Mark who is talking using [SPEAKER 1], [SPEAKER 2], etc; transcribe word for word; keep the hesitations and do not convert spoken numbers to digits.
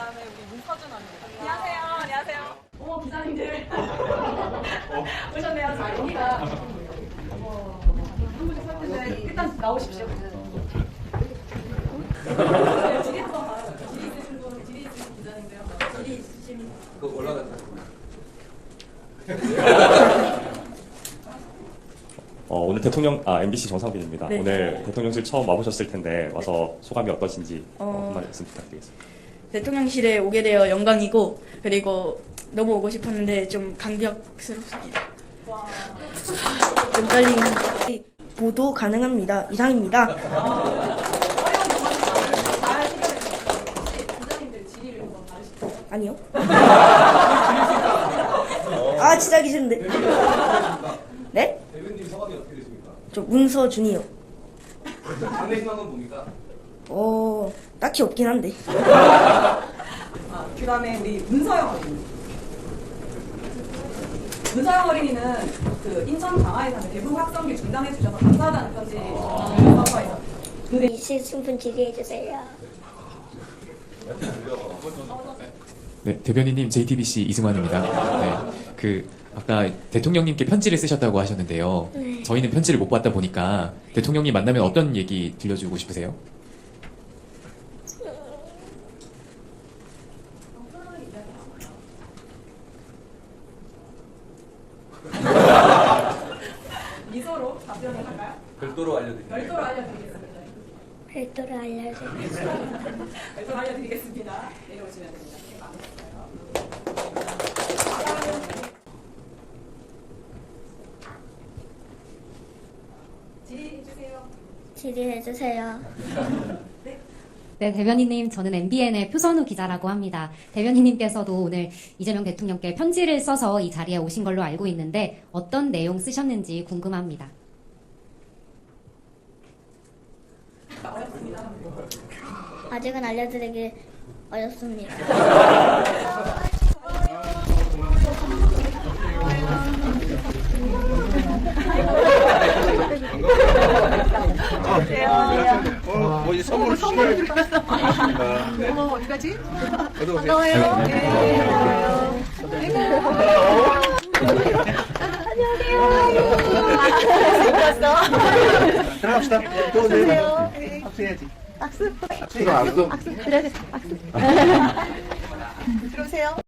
[SPEAKER 1] 그다음에 우리 문서준 언니. 안녕하세요. 안녕하세요. 어머 기자님들 오셨네요. 자 여기가 어, 한 분씩 설 텐데 일단 나오십시오. 지리부터 봐요. 지리 있으신 분, 지리 있으신 기자님들요. 지리 있으신.
[SPEAKER 2] 그거 올라갔다.
[SPEAKER 3] 어, 오늘 대통령, 아, 엠비씨 정상빈입니다.
[SPEAKER 4] 네.
[SPEAKER 3] 오늘 대통령실 처음 와보셨을 텐데 와서 소감이 어떠신지 어,
[SPEAKER 4] 어,
[SPEAKER 3] 한 말씀 부탁드리겠습니다.
[SPEAKER 4] 대통령실에 오게 되어 영광이고, 그리고 너무 오고 싶었는데 좀 감격스럽습니다. 좀 떨리는데 보도 가능합니다. 이상입니다.
[SPEAKER 1] 기자님들 지리를 한번 봐주시죠.
[SPEAKER 4] 아니요. 아 진짜 하기 싫은데. 네?
[SPEAKER 2] 대변님 성함이 어떻게 되십니까?
[SPEAKER 4] 저 문서준이요.
[SPEAKER 2] 장래 희망은 뭡니까?
[SPEAKER 4] 어 딱히 없긴 한데.
[SPEAKER 1] 아, 그다음에 우리 문서영 어린이. 문서영 어린이는 그 인천 강화에 사는 대북 확성기 중단해 주셔서 감사하다는 편지 전화해서 그
[SPEAKER 5] 이실 충분 지지해주세요.
[SPEAKER 6] 네, 대변인님 제이티비씨 이승환입니다. 네, 그 아까 대통령님께 편지를 쓰셨다고 하셨는데요.
[SPEAKER 5] 네.
[SPEAKER 6] 저희는 편지를 못 받다 보니까 대통령님 만나면 어떤 얘기 들려주고 싶으세요?
[SPEAKER 1] 미소로 답변을 할까요?
[SPEAKER 2] 별도로 알려드립니다.
[SPEAKER 1] 별도로 알려드리겠습니다.
[SPEAKER 5] 별도로 알려주세요.
[SPEAKER 1] 별도로 알려드리겠습니다. 내려오시면 됩니다. 이렇게 많으셨어요. 질의해주세요.
[SPEAKER 5] 지지해주세요.
[SPEAKER 7] 네, 대변인님, 저는 엠비엔의 표선우 기자라고 합니다. 대변인님께서도 오늘 이재명 대통령께 편지를 써서 이 자리에 오신 걸로 알고 있는데 어떤 내용 쓰셨는지 궁금합니다.
[SPEAKER 5] 아직은 알려드리기 어렵습니다.
[SPEAKER 2] 어, 뭐 이제 선물 선물 드렸어.
[SPEAKER 1] 어머, 어디까지?
[SPEAKER 2] 어디 오세요?
[SPEAKER 1] 반가워요. 네, 반가워요.
[SPEAKER 2] 들어갑시다. 들어오세요. 박수해야지. 박수. 박수. 박수.
[SPEAKER 5] 들어오세요.